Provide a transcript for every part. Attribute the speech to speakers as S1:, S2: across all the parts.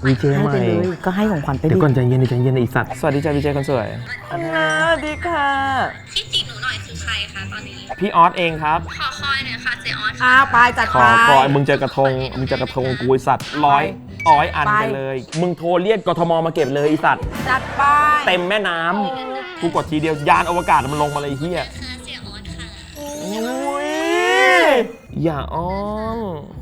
S1: วีเจใหม่
S2: ก็ให้ของขวัญไปดิ
S1: เดี๋ยวก่อนใจเย็นใจเย็นไอ้สัตว์สวัสดีจ้าวีเจคนสวยสวัสดีค่ะ
S3: พี่จีบหนูหน่อยคือใครคะตอนนี้
S1: พี่ออสเองครับ
S3: ขอคอยหน่อยค่ะเจออส
S2: ไปจัด
S1: ข
S2: ไป
S1: อคอยมึงเจอกระทงกูไอสัตว์100อันไปเลยมึงโทรเรียกกทมมาเก็บเลยไอสัตว์
S2: จัดไป
S1: เต็มแม่น้ำกูกดทีเดียวยานอวกาศมันลงมาเลยเฮีย
S3: ค่ะเจออสค่ะ
S1: อุ้ยอย่าอ้อน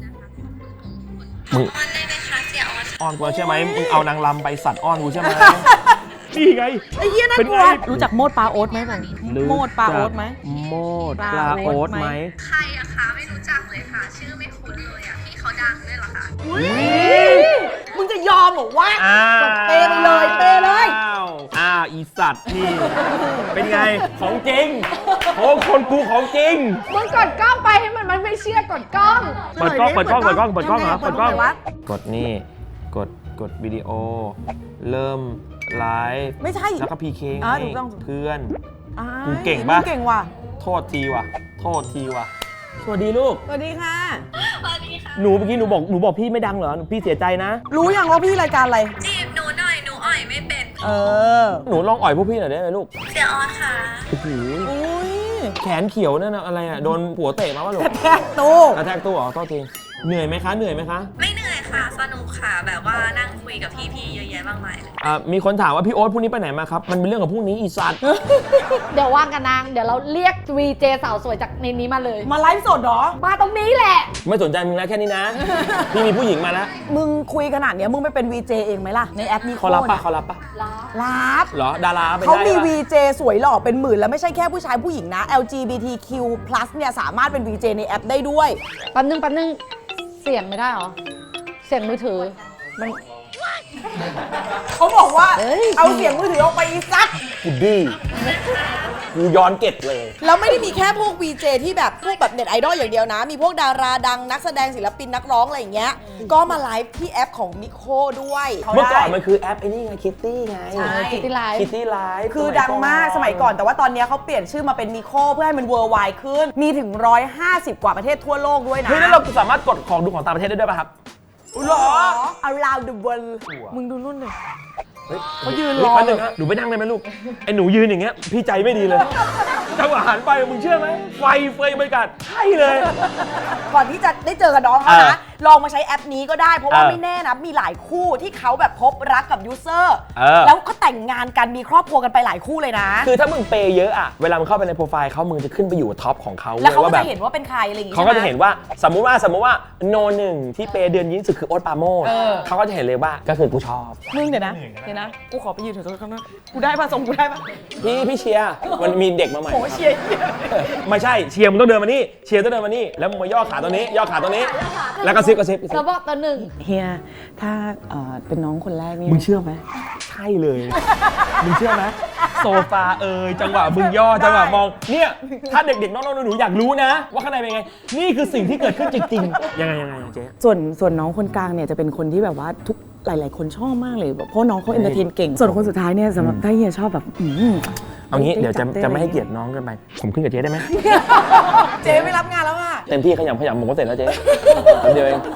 S1: มึง
S3: ออนได้ไหมคะเจออส
S1: อ้อนกูใช่ไหมมึงเอานางลำไปสัตว์อ้อนกูใช่ไหมนี่ไง
S2: ไอ้เหี้ยน่ากลัวรู้จักโมดปลาโอ๊ตไหมผมโมดปลาโอ๊ตไหม
S1: โมดปลาโอ๊ตไหม
S3: ใครอะคะไม่รู้จักเลยค่ะ ชื่อไม่คุ้นเลยอะพี่เขาดังด้วยเหรอคะ
S2: มึงจะยอมเหรอวะ
S1: อ้าว
S2: เปไปเลยเปเลย
S1: อีสัตว์นี่ เป็นไงของจริงโอ้คนกูของจริง
S4: มึงกดกล้องไปให้มันไม่เชื่อกดกล้อง
S1: เปิดกล้องเหรอเปิดกล้อง
S2: วะ
S1: กดนี่กดวิดีโอ เริ่มไลฟ์
S2: ไม่ใช่
S1: แล้วก็พีเค
S2: ถูกต้อง
S1: เพื่อน
S2: อ่า
S1: กูเก่งปะ
S2: มึเก่งว่ะ
S1: โทษทีว่ะสวัสดีลูก
S2: สวัสดีค่ะ
S3: สวัสดีค่ะ
S1: หนูเมื่อกี้หนูบอกพี่ไม่ดังเหรอพี่เสียใจนะ
S2: รู้ยังว่าพี่รายการอะไร
S3: จีบหนูหน่อยหนูอ่อยไม่เป็น
S2: เออ
S1: หนูลองอ่อยพวกพี่หน่อยได้ไหมลูก
S3: เจออสค่ะ
S1: โอ้โห
S2: อุ้ย
S1: แขนเขียวนั่นนะอะไรอ่ะโดนผัวเตะมาป่ะลูก
S2: แทกตู้
S1: กระแทกตัวเหรอโทษทีเหนื่อยไหมคะ
S3: ไม่เหนื่อยค่ะสนุกค่ะ แบบว่านั่งคุยกับพี่ๆเยอะแยะมากมายเลย
S1: มีคนถามว่าพี่โอ๊ตพรุ่งนี้ไปไหนมาครับ มันเป็นเรื่องของพรุ่งนี้อีสัตว์
S4: เดี๋ยวว่างกันนางเดี๋ยวเราเรียก VJ สาวสวยจากในนี้มาเลย
S2: มาไลฟ์สดเหรอ
S4: มาตรงนี้แหละ
S1: ไม่สนใจมึงแล้วแค่นี้นะ พี่มีผู้หญิงมาแล้ว
S2: มึงคุยขนาดเนี้ยมึงไปเป็น VJ เองไหมล่ะ ในแอปนี้
S1: เขารับปะเขารับปะ
S2: รับ
S1: เหรอดาราเป็น
S2: เขา
S1: ได้
S2: มี
S1: ปะ
S2: VJ สวยหล่อเป็นหมื่นแล้วไม่ใช่แค่ผู้ชายผู้หญิงนะ LGBTQ+ เนี่ยสามารถเป็น VJ ในแอปได้ด้วย
S4: แป๊บนึงเสียงไม่ได้เหรอ เสียงมือถือมัน
S2: เขาบอกว่า
S4: เฮ้ย
S2: เอาเสียงมือถือออกไปอีสัก
S1: กูดื้อกูย้อนเก็บเลย
S2: แล้วไม่ได้มีแค่พวก VJ ที่แบบพวกแบบเน็ตไอดอลอย่างเดียวนะ มีพวกดาราดังนักแสดงศิลปินนักร้องอะไรอย่างเงี้ย ก็มาไลฟ์ที่แอปของนิโคด้วย
S1: เมื่อก่อนมันคือแอปไอ้นี่ไงคิตตี้ไง
S2: ใช่
S4: คิตตี้ไลฟ์
S1: คิตตี้ไลฟ์
S2: คือดังมากสมัยก่อนแต่ว่าตอนเนี้ยเขาเปลี่ยนชื่อมาเป็นนิโคเพื่อให้มันเวอร์ไวขึ้น มีถึง 150 กว่าประเทศทั่วโลกด้วยนะ
S1: เฮ้ยแล้วเราสามารถกดของดูของต่างประเทศได้ด้วยป่ะครับหรอ
S2: around the world มึงดูนู่นเลย
S1: เขายืนรอเลยนะหนูไปนั่งได้ไหมลูกไอ้หนูยืนอย่างเงี้ยพี่ใจไม่ดีเลยจังหวะหันไปมึงเชื่อไหมไฟเฟยบรรยากาศใช่เลย
S2: ก่อนที่จะได้เจอกับน้องเขานะ ลองมาใช้แอปนี้ก็ได้ เพราะว่าไม่แน่นะ มีหลายคู่ที่เขาแบบพบรักกับยูเซอร์ แล้วก็แต่งงานกันมีครอบครัวกันไปหลายคู่เลยนะ
S1: คือถ้ามึงเปย์เยอะอะเวลามึงเข้าไปในโปรไฟล์เขามึงจะขึ้นไปอยู่ท็อปของเขา
S2: แล้วเขาก็
S1: ว่าแบ
S2: จะ
S1: บ
S2: เห็นว่าเป็นใครอะไรอย่างงี้
S1: เขาก็จะ
S2: ใช่ไม
S1: เห็นว่าสมมุติว่าโนหนึ่งที่เปย์เดือนยิ่งสุดคือโอ๊ตปราโมชเขาก็จะเห็นเลยว่าก็คือกูชอบ
S2: มึงเดี๋ยวนะกูขอไปยืนถือข้างหน้ากูได้ป่ะทรงกูได้ป่ะ
S1: พี่เชียร์มันมีเด็กมาใหม่
S2: โหเชียร์
S1: ไม่ใช่เชียร์มึงต้องเดินมานี่เชียร์ต้องเดินมานี่แล้วมึงมาย่อขาตัวนี้ย่อขาตัวนี้ แล้วก็ซิบ
S4: เราบอกตัวหนึ่ง
S2: เฮียถ้าเป็นน้องคนแรกนี่
S1: มึงเชื่อไหมใช่เลย มึงเชื่อไหมโซฟาจังหวะมึงย่อจังหวะมองเนี่ยถ้าเด็กๆน้องๆหนูๆอยากรู้นะ ว่าข้างในเป็นไงนี่คือสิ่งที่เกิดขึ้นจริงๆยังไงเจ๊
S2: ส่วนน้องคนกลางเนี่ยจะเป็นคนที่แบบว่าทุกหลาย ๆ คนชอบมากเลยแบบเพราะน้องเขาเอนเตอร์เทนเก่ง ส่วนคนสุดท้ายเนี่ยสำหรับถ้าเฮียชอบแบบ
S1: เอางี้เดี๋ยวจะไม่ให้เกียรติน้องเกันไปผมขึ้นกับเจ๊ได้ไหม
S2: เจ๊ไม่รับงานแล้วอ่ะ
S1: เต็มที่ขยำผมก็เสร็จแล้วเจ๊เดี๋ยวเอง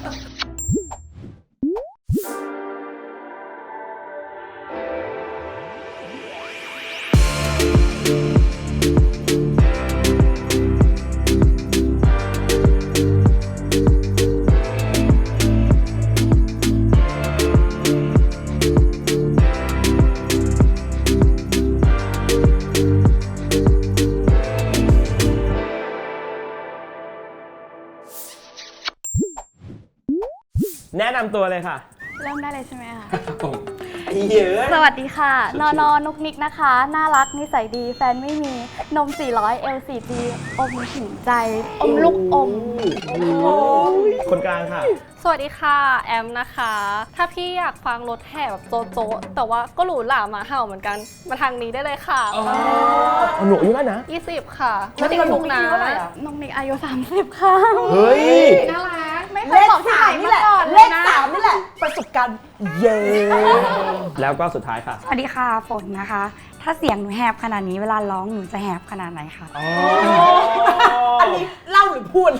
S1: แนะนำตัวเลยค่ะ
S5: เริ่มได้เลยใช่ไหมคะ
S1: เยอะ
S5: สวัสดีค่ะ นนุกนิกนะคะ น่ารักนิสัยดี แฟนไม่มี นม 400 L 4G อมถึงใจ อมลูกอม
S1: คนกลางค่ะ
S6: สวัสดีค่ะ แอมนะคะ ถ้าพี่อยากฟังรถแห่แบบโจ๊ะๆแต่ว่าก็หรูหราหมาเห่าเหมือนกัน มาทางนี้ได้เลยค่ะ
S1: หนูอายุเท่าไหร่นะ
S6: 20 ค่ะ ไม่ติดคุกนะ
S5: นมนิกอายุ 30 ค่ะ
S1: เฮ้ย
S6: น่ารัก
S5: ไม่เค
S2: เลย ข
S5: บอกที่ไหน
S2: 3นี่
S5: มา
S2: แหละ
S5: ก่อน
S2: เล
S5: เลย
S2: ข
S5: นะ
S2: 3นี่แหละ ประสบการณ์เย้
S1: แล้วก็สุดท้ายค่ะ
S5: สวัสดีค่ะ ฝนนะคะ ถ้าเสียงหนูแหบขนาดนี้เวลาร้องหนูจะแหบขนาดไหนคะ
S2: อันนี้เล่าหรือพูด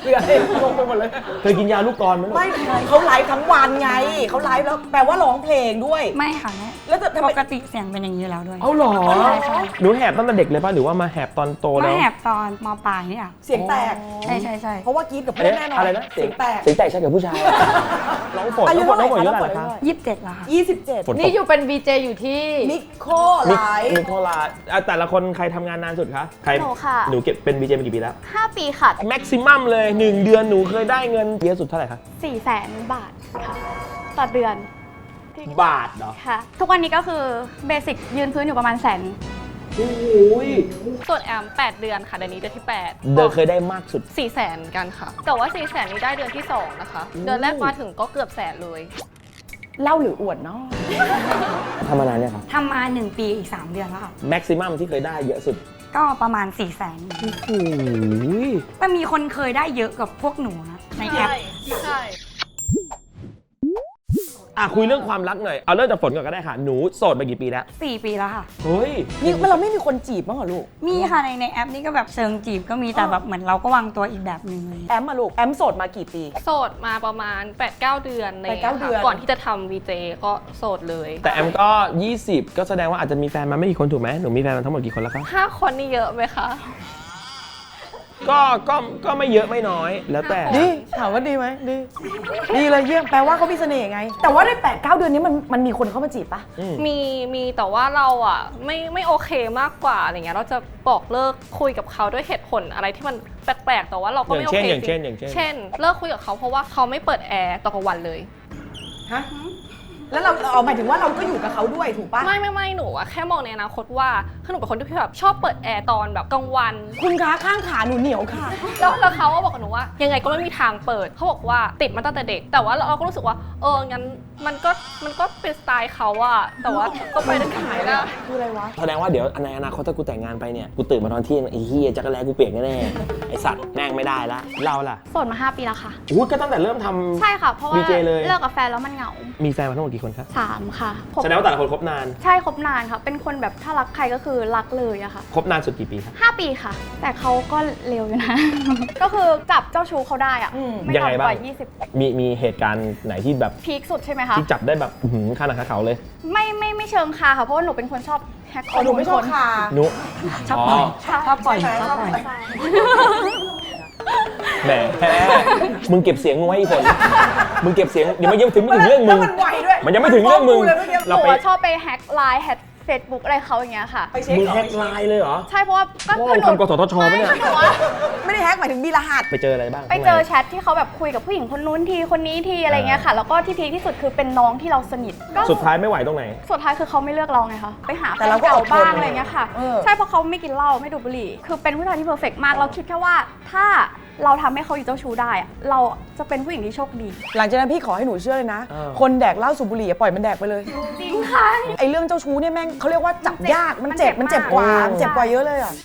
S2: คืออะไรงงไปหมดเลย
S1: เคยกินยาลูกกรอนไหมลูก
S2: ไม่เขาไลฟ์ทั้งวันไงเขาไลฟ์แล้วแปลว่าร้องเพลงด้วย
S7: ไม่ค่ะแม่
S2: แล้วจะทำไม
S7: ปกติเสียงเป็นอย่างนี้อยู่แล้วด้วย
S1: เอาหรอ
S7: ใช่ใช่
S1: หนูแหบตั้งแต่เด็กเลยป่ะหรือว่ามาแหบตอนโต
S7: มา
S1: แล้ว
S7: แหบตอนมปลายนี่อ่ะ
S2: เสียงแตก
S7: ใช่ใช่ใช่
S2: เพราะว่ากรีดกับเพื่อนแน่นอน
S1: อะไรนะ
S2: เสียงแตก
S1: เสียงแตกใช่กับผู้ชาย น้องฝน
S2: อายุ
S1: น้องฝน
S2: เท่าไหร่
S1: น้องฝน
S2: คะ
S1: อายุเท่าไหร่
S2: น้องฝน
S1: คะ
S7: 27แล้วค่ะ
S2: 27
S1: ฝนต
S4: นี่
S1: ก
S4: อยู่เป็น VJ อยู่ที่
S2: นิโคไลฟ์
S1: นิโคลาแต่ละคนใครทำงานนานสุดคะใคร
S5: หนูค่ะ
S1: หนูเก็บเป็น BJ มากี่ปีแล้ว
S5: 5 ปีค่ะ
S1: แม็กซิมัมเลย 1 เดือนหนูเคยได้เงินเยอะสุดเท่าไหร่คะ
S5: 400,000 บาทค่ะ ต่อเดือน
S1: บาทเหรอ
S5: ค่ะ ทุกวันนี้ก็คือเบสิกยืนพื้นอยู่ประมาณแสน
S1: โอ้ย
S6: ส่วนแอม 8 เดือนค่ะเดือนนี้เดือนที่
S1: เดือนเคยได้มากสุด
S6: 8 400,000กันค่ะ แต่ว่า 400,000นี้ได้เดือนที่ 2 นะคะ เดือนแรกมาถึงก็เกือบแสนเลย
S2: เล่าหรืออวดเนาะ
S1: ทำมานานเนี่ยครับ
S7: ทำมา1 ปีอีก 3 เดือนแล้วค่ะ
S1: แม็กซิมัมที่เคยได้เยอะสุด
S7: ก็ประมาณ 400,000
S1: โอ้ย
S7: แต่มีคนเคยได้เยอะกับพวกหนูนะในแอป
S6: ใช่
S1: คุยเรื่องความรักหน่อย เอาเริ่มจากฝนก่อนก็ได้ค่ะ หนูโสดมากี่ปีแล้ว
S7: 4 ปีแล้วค่ะ
S1: เฮ้ย
S2: นี่เราไม่มีคนจีบบ้างเหรอลูก
S7: มีค่ะในแอปนี้ก็แบบเชิงจีบก็มีแต่แบบเหมือนเราก็วางตัวอีกแบบหนึ่งเลย
S2: แอมมาลูก แอมโสดมากี่ปี
S6: โสดมาประมาณ 8-9 เดือนเลย
S2: 8-9 เดือน
S6: ก่อนที่จะทำ VJ ก็โสดเลย
S1: แต่แอมก็ 20 ก็แสดงว่าอาจจะมีแฟนมาไม่กี่คนถูกไหมหนูมีแฟนมาทั้งหมดกี่คนแล้วคะ
S6: 5 คนนี่เยอะไหมคะ
S1: ก็ไม่เยอะไม่น้อย แล้วแต่
S2: ดี ถามว่าดีไหมดี ดีเลยเยี่ยม แปลว่าเขามีเสน่ห์ไง แต่ว่าใน8-9 เดือนนี้มันมีคนเข้ามาจีบปะ
S6: มีแต่ว่าเราอ่ะไม่โอเคมากกว่าอะไรเงี้ยเราจะบอกเลิกคุยกับเขาด้วยเหตุผลอะไรที่มันแปลกๆ แต่ว่าเราก็ไม่โอเค
S1: อย่างเช่น
S6: เช่นเลิกคุยกับเขาเพราะว่าเขาไม่เปิดแอร์ตอนกลางวันเลย
S2: ฮะ แล้วเราเอาหมายถึงว่าเราก็อยู่กับเขาด้วยถูกปะ
S6: ไม่หนูอะแค่มองในอนาคตว่าคือหนูเป็นคนที่แบบชอบเปิดแอร์ตอนแบบกลางวัน
S2: คุณคะข้างขาหนูเหนียวค่ะ
S6: แล้วเขาก็บอกกับหนูว่ายังไงก็ไม่มีทางเปิดเขาบอกว่าติดมาตั้งแต่เด็ก แต่ว่าเราก็รู้สึกว่างั้นมันก็เป็นสไตล์เขาอะแต่ว่าก็ไปได้ขายได้
S2: คืออะไรวะ
S1: แสดงว่าเดี๋ยวในอนาคตถ้ากูแต่งงานไปเนี่ย กูตื่นมาตอนเที่ยงไอ้เฮียจักรแลกูเปียกแน่ๆ ไอสัตว์แม่งไม่ได้ละเราล่ะ
S5: โสดมา 5 ปีแล้วค่ะ
S1: อุ้ยก็ตั้งแต่เริ่มทำ
S5: ใช่ค่ะ เพราะว่า
S1: VJ เลย
S5: เลิกกับแฟนแล้วมันเหงา
S1: มีแฟนมาทั้งหมดกี่คนครับ
S5: 3 ค่ะ
S1: แสดงว่าแต่ละคนคบนาน
S5: ใช่คบนานค่ะ เป็นคนแบบถ้ารักใครก็คือรักเลยอะค่ะ
S1: คบนานสุดกี่ปีครับ
S5: 5 ปีค่ะ แต่เขาก็เร็วอยู่นะ ก็คือจับเจ้าชู้เขาได้อะ
S2: อืม
S5: ไม่
S1: ยัง
S5: ต่ำ
S1: ไงบ้าง
S5: กว่า20
S1: มีเหตุการณ์ไหนที่แบบ
S5: พีคสุดใช่ไหมคะ
S1: ที่จับได้แบบข้าหนังคาเขาเลย
S5: ไม่เชิงคาค่ะ เพราะว่าหนูเป็นคนชอบแฮก
S2: อ๋อหนูไม่ชอบคา
S1: หนู
S7: ชอบปล่อยชอบปล่อย
S2: ใช่
S7: ชอบปล่อย
S2: ใช่
S1: แหมมึงเก็บเสียงมึงไว้ให้ฝนมึงเก็บเสียงเดี๋ยวมันยังถึงไม่ถึงเรื่องมึง
S2: แล้วมันไวด้วย
S1: มันยังไม่ถึงเรื่องมึง
S2: ฟ้กูเลยเมื่อกี้
S5: ห
S1: เรา
S5: นู
S1: ไป
S5: อะชอบไปแฮกไลน์แฮกเฟซบุ๊กอะไรเขาอย่างเงี้ยค่ะ
S2: ไปเช็ค
S1: มึง
S2: เหรอ
S1: แฮกไลน์เลยเหรอ
S5: ใช่เพราะว่าก็
S1: โอ้
S5: คือหนู
S1: ทำกสทชปะเนี่ย
S5: ไม่หนูว่า
S2: ไม่ได้แฮกหมายถึงมีรหัส
S1: ไปเจออะไรบ้าง
S5: ไปเจอแชทที่เขาแบบคุยกับผู้หญิงคนนู้นทีคนนี้ทีอะไรเงี้ยค่ะ แล้วก็ที่พีคที่สุดคือเป็นน้องที่เราสนิทก็
S1: สุดท้ายไม่ไหวตรงไหน
S5: สุดท้ายคือเขาไม่เลือกเราไงคะไปหาแฟ
S2: แต่
S5: น
S2: เราก็
S5: เก่า
S2: อดทน
S5: บ้างอะไรเงี้ยค่ะ
S2: เออ
S5: ใช่เพราะเขาไม่กินเหล้าไม่ดูดบุหรี่คือเป็นผู้ชายที่เพอร์เฟกต์มากเราคิดแค่ว่าถ้าเราทำให้เขาอยู่เจ้าชู้ได้อะเราจะเป็นผู้หญิงที่โชคดี
S2: หลังจากนั้นพี่ขอให้หนูเชื่อเลยนะ
S1: เออ
S2: คนแดกเหล้าสูบบุหรี่อะปล่อยมันแดกไปเลย
S5: จริงค่ะ
S2: ไอ้เรื่องเจ้าชู้เนี่ยแม่งเขาเรียกว่าจับยาก มันเจ็บ
S5: มันเจ็บ
S2: กว่า
S5: มาก
S2: มันเจ็บกว่าเยอะเลยอ่ะ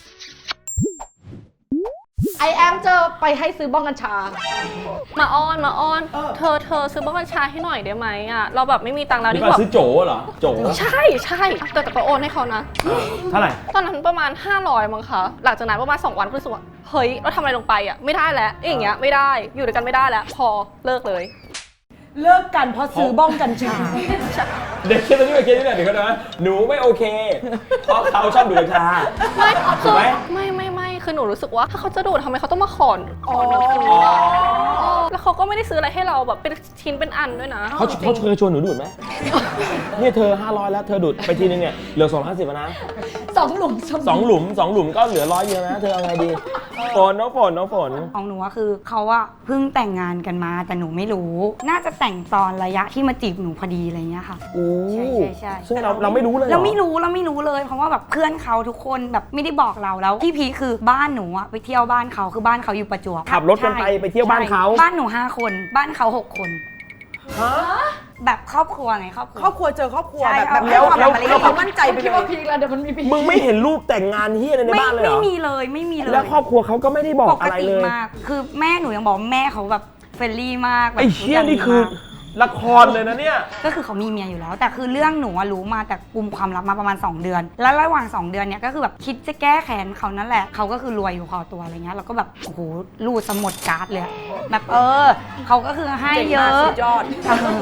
S4: ไอแอมจะไปให้ซื้อบ้องกัญชา
S6: มาอ้อนเธอซื้อบ้องกัญชาให้หน่อยได้ไหมอะเราแบบไม่มีตังค์แล้ว
S1: นี่
S6: ที่
S1: ก็
S6: แบบ
S1: ซื้อโจเหรอ โจ
S6: ใช่แต่ก็โอนให้เขานะ
S1: เท่าไหร่
S6: ตอนนั้นประมาณ 500 มั้งคะ หลังจากนั้นประมาณ 2 วันก็รู้สึกว่า เฮ้ย เราทำอะไรลงไปอ่ะ ไม่ได้แล้วอย่างเงี้ย ไม่ได้ อยู่ด้วยกันไม่ได้แล้ว พอเลิกเลย
S2: เลิกกันเพราะซื้อบ้องกัญชา
S1: เด็กเคสตัวนี้เป็นเคสที่ไหนเดี๋ยวก่อนนะหนูไม่โอเค เพราะเขาชอบดูดกัญชา
S6: ไม่
S1: ถูกไหม
S6: ไม่คือหนูรู้สึกว่าถ้าเขาจะดูดทำไมเขาต้องมาขอเงินคืนอะแล้วเขาก็ไม่ได้ซื้ออะไรให้เราแบบเป็นชิ้นเป็นอันด้วยนะ
S1: เขาเคยชวนหนูดูดไหม เนี่ยเธอ 500 แล้วเธอดูดไปทีนึงเนี่ยเหลือ250แล้วนะ
S4: 2 หลุม
S1: 2 หลุมก็เหลือ100เดียวนะ เธอเอาไงดีน้องฝน
S7: ของหนูอะคือเขาอะเพิ่งแต่งงานกันมาแต่หนูไม่รู้ น่าจะแต่งตอนระยะที่มาจีบหนูพอดีอะไรเงี้ยค่ะ
S1: โอ้
S7: ใช่
S1: ซึ่งเราไม่รู้เลยเหรอ
S7: เราไม่รู้เลยเพราะว่าแบบเพื่อนเขาทุกคนแบบไม่ได้บอกเราแล้วที่พีคคือบ้านหนูอะไปเที่ยวบ้านเขาคือบ้านเขาอยู่ประจวบ
S1: ขับรถกันไปเที่ยวบ้านเขา
S7: ใช่บ้านหนู5 คนบ้านเขา6 คน
S1: ฮะ
S7: แบบครอบครัวไงครอบครัว
S2: ครอบครัวเจอครอบครัว
S7: ใช่
S2: แบบ
S7: เอา
S2: แล้ว
S7: เอา
S2: แล้วเขามั่นใจไป
S4: คิด
S2: เล
S4: ว่าย พีคแล้วเดี๋ยวมันมีพีค
S1: มึงไม่เห็นรูปแต่งงานเฮียอะไรในบ้านเลยเหร
S7: ไม่
S1: อ
S7: มีเลยไม่มีเลย
S1: แล้วครอบครัวเขาก็ไม่ได้บอก
S7: ปก
S1: อะไร
S7: ติ
S1: เลย
S7: มากคือแม่หนูยังบอกแม่เขาแบบเฟรนลี่มากแบบ
S1: ไอ้เชี่ยนี่คือละครเลยนะเนี่ย
S7: ก็คือเขามีเมียอยู่แล้ว แต่คือเรื่องหนูอะรู้มาแต่กุมความลับมาประมาณ 2 เดือน แล้วระหว่าง 2 เดือนเนี่ยก็คือแบบคิดจะแก้แค้นเขานั่นแหละเขาก็คือรวยอยู่พอตัวอะไรเงี้ยเราก็แบบโอ้โหรูดสมุดการ์ดเลยอะแบบเขาก็คือให้เยอะ
S2: สุดยอด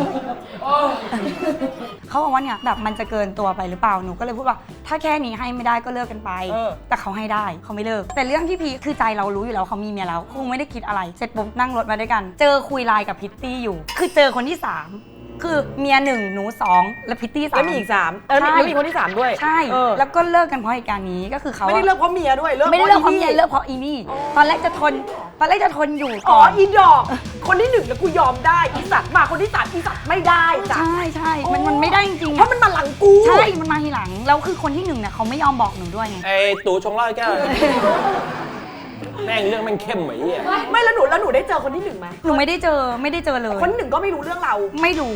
S7: เขาบอกว่าเนี่ยแบบมันจะเกินตัวไปหรือเปล่าหนูก็เลยพูดว่าถ้าแค่นี้ให้ไม่ได้ก็เลิกกันไป แต่เขาให้ได้เขาไม่เลิกแต่เรื่องที่พีคคือใจเรารู้อยู่แล้วเขามีเมียแล้วคงไม่ได้คิดอะไรเสร็จปุ๊บนั่งรถมาด้วยกัน เจอคุยไลน์กับพิตตี้อยู่ คือเจอคนที่ 3 คือเมีย1หนู2และพิตตี้3
S2: แล้วมีอีก3แล้วมีคนที่ 3 ด้วย
S7: ใช่ แล้วก็เลิกกันเพราะเหตุการณ์นี้ก็คือเขา
S2: ไม่ได้เลิกเพราะเมียด้วยเลิก
S7: ไม่ได้เลิกเพราะ
S2: อี
S7: เมียเลิกเพราะอีนี่ตอนแรกจะทนอยู่
S2: อ๋อ
S7: ก่อน
S2: อีดอก คนที่ 1 แล้วกูยอมได้อีสัตว์มาคนที่ 3อีสัตว์ไม่ได้จ้ะ
S7: ใช่มันไม่ได้จริงๆ
S2: เพราะมันมาหลังกู
S7: ใช่มันมาทีหลังแล้วคือคนที่1เนี่ยเขาไม่ยอมบอกหนูด้วยไง
S1: ไอ้ตู่ชงเหล้าให้แก้วแม่งเรื่องแม่งเข้มเหมือนไอ้เหี้ย
S2: ไม่แล้วหนูได้เจอคนที่ 1ไหม
S7: หนูไม่ได้เจอเลย
S2: คนที่ 1ก็ไม่รู้เรื่องเรา
S7: ไม่รู้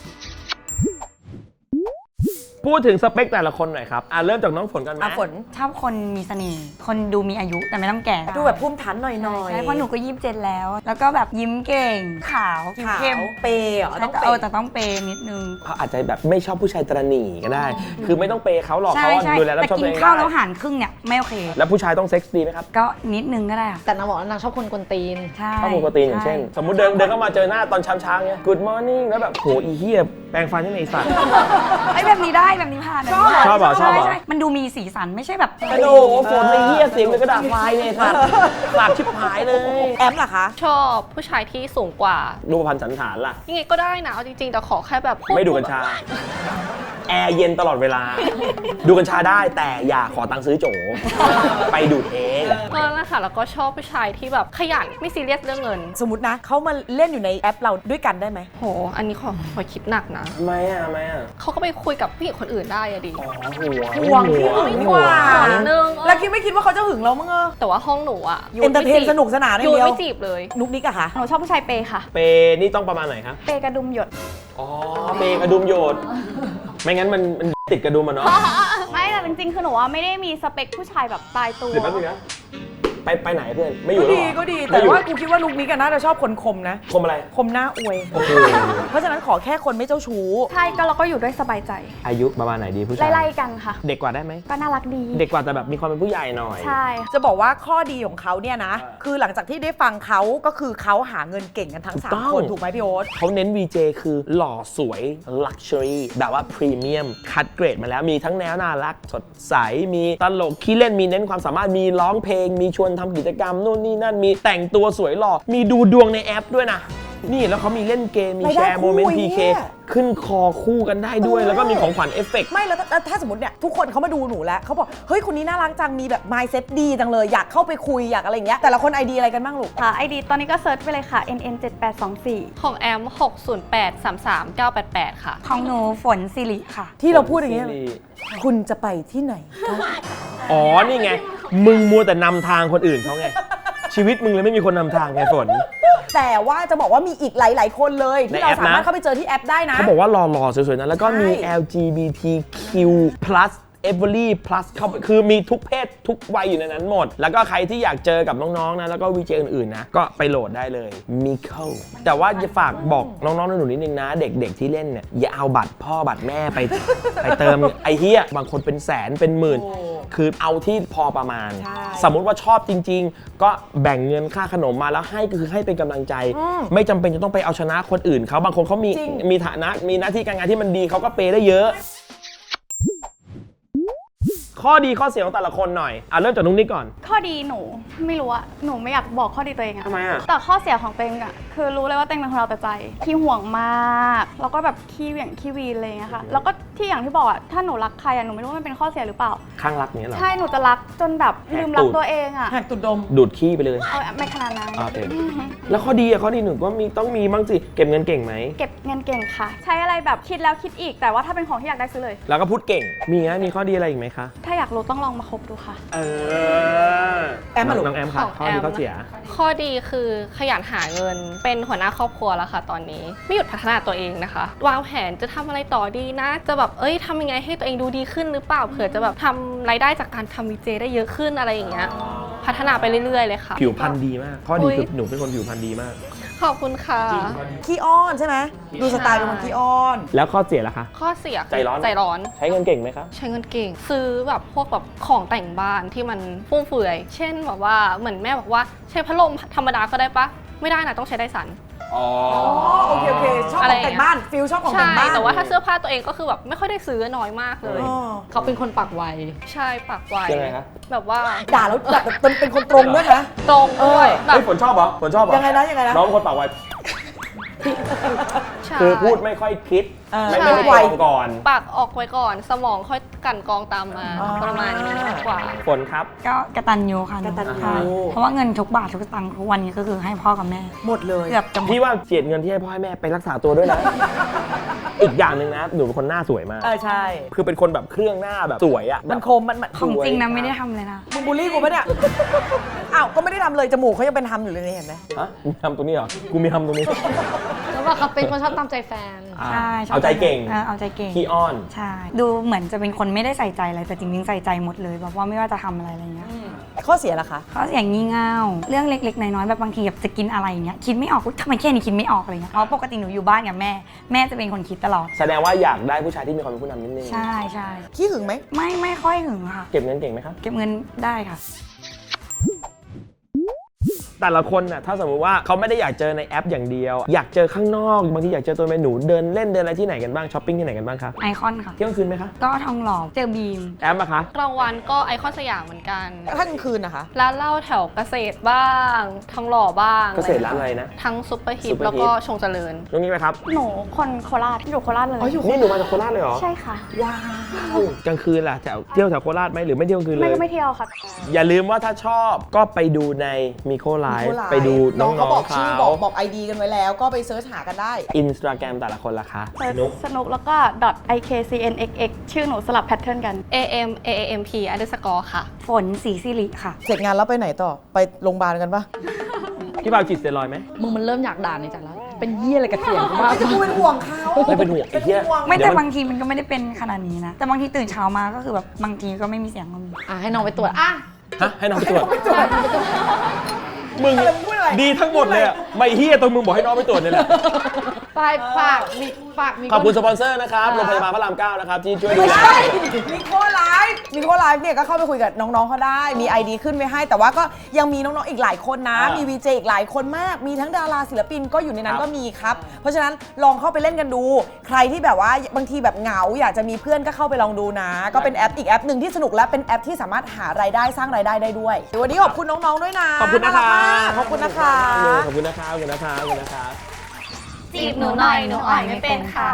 S1: พูดถึงสเปคแต่ละคนหน่อยครับเริ่มจากน้องฝนกันไหม
S2: ฝน
S7: ชอบคนมีเสน่ห์คนดูมีอายุแต่ไม่ต้องแก่
S2: ดูแบบภูมิฐานหน่อยๆ
S7: ใช่เพราะหนูก็27แล้ว แล้วก็แบบยิ้มเก่งขาวผิว
S2: ขาว
S7: เข้ม
S2: เปย์เหรอต้องเป
S7: แต่ต้องเปย์นิดนึง
S1: เขาอาจจะแบบไม่ชอบผู้ชายตระหนี่ก็ได้ คือไม่ต้องเปย์เขาหรอก
S7: ใช่
S1: เขา
S7: ใช่
S1: ดูแลรับ
S7: แต่
S1: ชอบ
S7: กิ
S1: ตัวน เอง
S7: ข้าวแล้ว
S1: ได้
S7: หารครึ่งเนี่ยไม่โอเค
S1: แล้วผู้ชายต้องเซ็กซ์ดีไหมครับ
S7: ก็นิดนึงก็ได้อะ
S4: แต่นางบอกว่านางชอบคนกวนตีน
S7: ใช่
S1: ชอบปกติอย่างเช่น สมมุติเดินเข้ามาเจอหน้าตอนเช้าๆเงี้ย Good morning แล้วแบบโหอีเหี้ยแปรงฟันยังไงไอ้สัตว์
S7: ไอ้แบบนี้ได้แบบนี้ผ่าน
S1: ชอบเหรอชอบเหรอ
S7: ใช่มันดูมีสีสันไม่ใช่แบบ
S1: กระโดดฝนไอ้เหี้ยเสียงเลยกระดาษไฟเลยสัตว์หลับชิบหายเลย
S2: แอมล่ะคะ
S6: ชอบผู้ชายที่สูงกว่า
S1: รูปพรรณสันฐานล่ะ
S6: ยังไงก็ได้นะเอาจริงๆแต่ขอแค่แบบพู
S1: ไม่ดูกัญชา แอร์เย็นตลอดเวลา ดูกัญชาได้แต่อย่าขอตังค์ซื้อโจ ไปดูดเอง
S6: ก็นั่นแหละค่ะแล้วก็ชอบผู้ชายที่แบบขยันไม่ซีเรียสเรื่องเงิน
S2: สมมตินะเขามาเล่นอยู่ในแอปเราด้วยกันได้ไหม
S6: โห อันนี้ขอคิดหนักนะ
S1: ทำไมอ่ะ
S6: เขาก็ไปคุยกับผู้หญิงคนอื่นได้อะดิ
S2: ห่วงที่หึงกว่า
S6: นิดนึง
S2: แล้วไม่คิดว่าเขาจะหึงเรามั้ง
S6: แต่ว่าห้องหนูอะ
S2: เอนเตอร์เทนสนุกสนานอย่าง
S6: ยู
S2: เดียว
S6: ไม่จีบเลย
S2: นุกนิกอะคะ
S5: หนูชอบผู้ชายเปย์ค่ะ
S1: เปนี่ต้องประมาณไหนครับ
S5: เปย์กระดุมหยด
S1: อ๋อ เปกระดุมโยด ไม่งั้นมันติดกระดุมอ่ะเนาะ
S5: ไม่แต่จริงๆ คือหนูว่าไม่ได้มีสเปคผู้ชายแบบตายตัว
S1: เดี๋ยวแป๊บนึงนะไปไหนเพื่อน ไม่อยู่
S2: ก็
S1: แล้ว
S2: ดี
S1: เหรอ
S2: ก็ดี
S1: ไม่
S2: แต่
S1: อยู่
S2: ว่ากูคิดว่านุกนิกอะน่าจะชอบคนคมนะ
S1: คมอะไร
S2: คมหน้าอวย
S1: โอ้โห
S2: เพราะฉะนั้นขอแค่คนไม่เจ้าชู้
S5: ใช่ก็เราก็อยู่ด้วยสบายใจ
S1: อายุประมาณไหนดีผู้ชาย
S5: ไล่ๆกันค่ะ
S1: เด็กกว่าได้ไหม
S5: ก็น่ารักดี
S1: เด็กกว่าแต่แบบมีความเป็นผู้ใหญ่หน่อย
S5: ใช่
S2: จะบอกว่าข้อดีของเขาเนี่ยนะ คือหลังจากที่ได้ฟังเขาก็คือเขาหาเงินเก่งกันทั้ง
S1: ถูกต้อง
S2: 3 คนถูกไหมพี่โอ๊ต
S1: เขาเน้น VJ คือหล่อสวย Luxury แบบว่าพรีเมียมคัดเกรดมาแล้วมีทั้งแนวน่ารักสดใส มีตลกขี้เล่นมีเน้นความสามารถมีร้องเพลง มีชวนทำกิจกรรมนู่นนี่นั่นมีแต่งตัวสวยหล่อมีดูดวงในแอปด้วยนะ นี่แล้วเขามีเล่นเกม มี
S2: ราย
S1: แช
S2: ได้
S1: ร์โมเมนต์
S2: คู่
S1: PK
S2: เนี่ย
S1: ขึ้นคอคู่กันได้ด้วย แล้วก็มีของขวัญเอฟเฟกต์
S2: ไม่แล้วถ้าสมมติเนี่ยทุกคนเขามาดูหนูแล้วเขาบอกเฮ้ยคนนี้น่ารักจังมีแบบ mindset ดีจังเลยอยากเข้าไปคุยอยากอะไรอย่างเงี้ยแต่ละคนไอเดียอะไรกันบ้างลูก
S5: ค่ะ ID ตอนนี้ก็เซิร์ชไปเลยค่ะ NN7824
S6: ของแอม 60833 988 ค่ะ
S7: ของหนูฝนสิริค่ะ
S2: ที่เราพูดอย่างเงี้ยคุณจะไปที่ไหนคะ
S1: อ๋อ นี่ไง มึงมัวแต่นำทางคนอื่นเขาไง ชีวิตมึงเลยไม่มีคนนำทางไงฝน
S2: แต่ว่าจะบอกว่ามีอีกหลาย ๆ คนเลยที่เรา
S1: ในแอปนะ
S2: สามารถเข้าไปเจอที่แอปได้นะ
S1: เขาบอกว่าหล่อๆ สวยๆ นะ แล้วก็มี
S2: ใช่
S1: LGBTQ+ every plus เข้าไปคือมีทุกเพศทุกวัยอยู่ในนั้นหมด แล้วก็ใครที่อยากเจอกับน้องๆ นะ แล้วก็วีเจอื่นๆ นะ ก็ไปโหลดได้เลย Miko แต่ว่าจะฝากบอกน้องๆ หนูๆ นิดนึงนะ เด็กๆ ที่เล่นเนี่ย อย่าเอาบัตรพ่อบัตรแม่ไป ไปเติม ไอ้เหี้ย บางคนเป็นแสนเป็นหมื่น คือเอาที่พอประมาณ
S2: ใช่
S1: สมมุติว่าชอบจริง ๆ ก็แบ่งเงินค่าขนมมาแล้วให้ก็คือให้เป็นกำลังใจ ไม่จำเป็นจะต้องไปเอาชนะคนอื่นเขาบางคนเขามีฐานะมีหน้าที่การงานที่มันดีเขาก็เปย์ได้เยอะ ข้อดีข้อเสียของแต่ละคนหน่อยเริ่มจากนุ๊กนิกก่อน
S5: ข้อดีหนูไม่รู้อะหนูไม่อยากบอกข้อดีตัวเองอะ
S1: ทำไมอะ
S5: แต่ข้อเสียของตัวเองอะคือรู้เลยว่าตัวเองเป็นคนเอาแต่ใจขี้ห่วงมากแล้วก็แบบขี้เหวี่ยงขี้วีนอะไรอย่างเงี้ยค่ะแล้วก็ที่อย่างที่บอกอะถ้าหนูรักใครอะหนูไม่รู้ว่ามันเป็นข้อเสียหรือเปล่า
S1: ข้างรักเนี้ยเหรอ
S5: ใช่หนูจะรักจนแบบลืมรักตัวเองอะ
S2: แหกตุดดม
S1: ดูดขี้ไปเลย
S5: เอาไม่ขนาดนั้น
S1: โอเคแล้วข้อดีหนึ่งก็ต้องมีบ้างสิเก็บเงินเก่งไหม
S5: เก็บเงินเก่งค่ะ ใช้อะไรแบบคิดแล้วคิดอีก แต่ว่าถ้าเป็นของที่อยากได้ซื้อเลย
S1: แล้วก็พูดเก่งมีข้อดีอะไรอีกไหมคะ
S5: ถ้าอยากรู้ต้องลองมาคบดูค่ะ
S2: แอมมาลูก
S1: น้องแอมค่ะ
S6: ของ
S1: ข้อดี
S6: แอม
S1: ข้อเสีย
S6: ข้อดีคือขยันหาเงินเป็นหัวหน้าครอบครัวแล้วค่ะตอนนี้ไม่หยุดพัฒนาตัวเองนะคะ วางแผนจะทำอะไรต่อดีนะ จะแบบทำยังไงให้ตัวเองดูดีขึ้นหรือเปล่าเผื่อจะแบบทำรายได้จากการทำวีเจได้เยอะขึ้นอะไรอย่างเงี้ยพัฒนาไปเรื่อยๆเลยค่ะ
S1: ผิวพรรณดีมาก ข้อดีคือหนูเป็นคนผิวพรรณดีมาก
S6: ขอบคุณค่ะ
S2: ขี้อ้อนใช่ไหมดูสไตล์เป็นคนขี้อ้อน
S1: แล้วข้อเสียล่ะคะ
S6: ข้อเสียคือ
S1: ใจร้อน
S6: ใจร้อน
S1: ใช้เงินเก่งไหมครับ
S6: ใช้เงินเก่ง ซื้อแบบพวกแบบของแต่งบ้านที่มันฟุ่มเฟือย เช่นแบบว่าเหมือนแม่บอกว่าใช้พัดลมธรรมดาก็ได้ปะไม่ได้นะต้องใช้ไดสัน
S1: อ๋อ
S2: โอเคชอบของแต่งบ้านฟิลชอบของแต่
S6: ใช่
S2: งบ้าน
S6: แต่ว่าถ้าเสื้อผ้าตัวเองก็คือแบบไม่ค่อยได้ซื้อน้อยมากเลย
S2: อ๋อ
S4: เขาเป็นคนปากไว
S6: ใช่ปากไว
S1: ยังไงคะ
S6: แบบว่า
S2: ด่าแล้วแบบเป็นคนตรงด้วยนะ
S6: ตรงด้วยแบ
S1: เฮ้
S6: บ
S1: ยฝนชอบเหรอฝนชอบเหรอ
S2: ยังไงนะยังไงนะ
S1: น้องคนปากไว
S6: ใช่
S1: คือพูดไม่ค่อยคิด ไม่
S6: ใช่
S1: ได้ตรงก่อน
S6: ปากออกไว้ก่อน สมองค่อยกลั่นกรองตามมา
S2: อ๋อ
S6: ประมาณนี้มากกว่า
S1: ฝนครับ
S7: ก็กตัญญูค่ะ
S2: กตัญญู
S7: ค่ะเพราะว่าเงินทุกบาททุกสตังค์ทุกวันนี้ก็คือให้พ่อกับแม่
S2: หมดเลย
S7: เกือบจะหมด
S1: พี่ว่าเจียดเงินที่ให้พ่อให้แม่ไปรักษาตัวด้วยนะ อีกอย่างหนึ่งนะหนูเป็นคนหน้าสวยมาก
S2: ใช่
S1: คือเป็นคนแบบเครื่องหน้าแบบสวยอะ
S2: มันคมมัน
S7: ของจริงนะไม่ได้ทำเลยนะ
S2: มึงบูลลี่กูปะเนี่ย อ้าว ก็ไม่ได้ทำเลยจมูกเขายังเป็นทำอยู่เลยนี่เห็นไหม
S1: ฮะมีทำตรงนี้เหรอ กูมีทำตรงนี้
S4: แล้วว่าเขาเป็นคนชอบตามใจแฟน
S1: อ่า
S7: ใช่ชบ
S1: เอาใจเก่ง
S7: เอาใจเก่ง
S1: ขี้อ้อน
S7: ใช่ ดูเหมือนจะเป็นคนไม่ได้ใส่ใจอะไร แต่จริงๆใส่ใจหมดเลยแบบว่าไม่ว่าจะทำอะไรอะไรเงี้ย
S2: ข้อเสียล่ะคะ
S7: เขาอย่างงี่เง่าเรื่องเล็กๆน้อยๆแบบบางทีแบบจะกินอะไรอย่างเงี้ยคิดไม่ออกอุ๊ยทำไมแค่นี้คิดไม่ออกอะไรเงี้ยเพราะปกติหนูอยู่บ้านกับแม่ แม่จะเป็นคนคิดตลอด
S1: แสดงว่าอยากได้ผู้ชายที่มีความเป็นผู้นำนิดนึง
S7: ใช่ใช่
S2: ขี้หึงไหม
S7: ไม่ค่อยหึงค่ะ
S1: เก็บเงินเก่งไหมครับ
S7: เก็บเงินได้ค่ะ
S1: แต่ละคนน่ะถ้าสมมติว่าเขาไม่ได้อยากเจอในแอปอย่างเดียว อยากเจอข้างนอกบางทีอยากเจอตัวเป็นหนูเดินเล่นเดินอะไรที่ไหนกันบ้างช้อปปิ้งที่ไหนกันบ้างคะ
S7: ไอคอนค่ะ
S1: เที่ยงคืนไหมคะ
S7: ก็ทองหล่อเจอบีม
S1: แอปอะคะ
S6: กลางวันก็ไอคอนสยามเหมือนกัน
S2: ถ้ากลางคืนนะคะ
S6: ร้านเหล้าแถวเกษตรบ้างทองหล่อบ้าง
S1: เกษตรร้านอะไรนะ
S6: ทั้งซุปเปอร์ฮิ
S1: ซุ
S6: ต
S1: ปเปอร์ฮิต
S6: แล้วก็ชงเจริญ
S1: ตรงนี้ไหมครับ
S5: หนูคนโคราชอยู่โคราชเลย
S1: นี่หนูมาจากโคราชเลยเหรอ
S5: ใช่ค่ะ
S2: ว้าว
S1: กลางคืนล่ะเที่ยวแถวโคราชไหมหรือไม่เที่ยวกลางคืนเล
S5: ไม่
S1: ย
S5: ก็ไม่เที่ยวค่ะ
S1: อย่าลืมว่าถ้าชอบก็ไปดูในมิโคไลฟ์ไปดูน้อง
S2: เขาบอก
S1: ๆ
S2: ชื่อ
S1: เขา
S2: บอกไอดีกันไว้แล้วก็ไปเซิร์ชหากันได้
S1: อินสตาแกรมแต่ละคนล่ะคะ
S5: เซิร์ช
S1: นุก
S5: สนุกแล้วก็ .ikcnxx ชื่อหนูสลับแพทเทิร์นกัน
S6: AMP__ ค่ะ
S7: ฝนสีสิริค่ะ
S2: เสร็จงานแล้วไปไหนต่อ ไปโรงพยาบาลกันปะ
S1: พี่เปาฉีดสเตียรอยด์ไหม
S4: มึงมันเริ่มอยากด่าในจากแล้ว เป็นเยี่ยอะไรกับเสียงกูมาก
S2: จะกูเป็นห่วงเขา
S1: ไม่เป็นห่วงไอ้เหี้ย
S7: ไม่
S1: เดี๋
S7: แต่
S1: ยวมัน
S7: บางทีมันก็ไม่ได้เป็นขนาดนี้นะ แต่บางทีตื่นเช้ามาก็คือแบบบางทีก็ไม่มีเสียงก็มี
S4: อ่ะให้น้องไปตรวจ อ่ะ
S1: ฮะให้น้องไปตรวจ มึง
S2: อะไรมึงพูดอะไร
S1: ดีทั้งหมดเลยอะไม่เฮียตรงมึงบอกให้น้องไปตรวจเนี่ยแหละ
S4: ฝากมี
S1: ขอบคุณสปอนเซอร์นะครับโรงพยาบาลพระราม 9 นะครับ ที่ช่วยดู
S2: ไม่
S1: แล
S2: ใช่มิโคไลฟ์เนี่ยก็เข้าไปคุยกับน้องๆเขาได้ มี ID ขึ้นไว้ให้ แต่ว่าก็ยังมีน้องๆอีกหลายคนนะ มี VJ อีกหลายคนมาก มีทั้งดาราศิลปินก็อยู่ในนั้นก็มีครับ เพราะฉะนั้นลองเข้าไปเล่นกันดู ใครที่แบบว่าบางทีแบบเหงาอยากจะมีเพื่อนก็เข้าไปลองดูนะ ก็เป็นแอปอีกแอปหนึ่งที่สนุกและเป็นแอปที่สามารถหารายได้สร้างรายได้ได้ด้วยวันนี้ขอบคุณน้องๆด้วยนะ
S1: ขอบคุณนะคะ
S2: ารักมากขอบคุณนะคะ
S1: ขอบคุณนะคะขอบคุณนะคะขอบคุณนะคะ
S5: จีบหนูหน่อยหนูอ่อยไม่เป็นค่ะ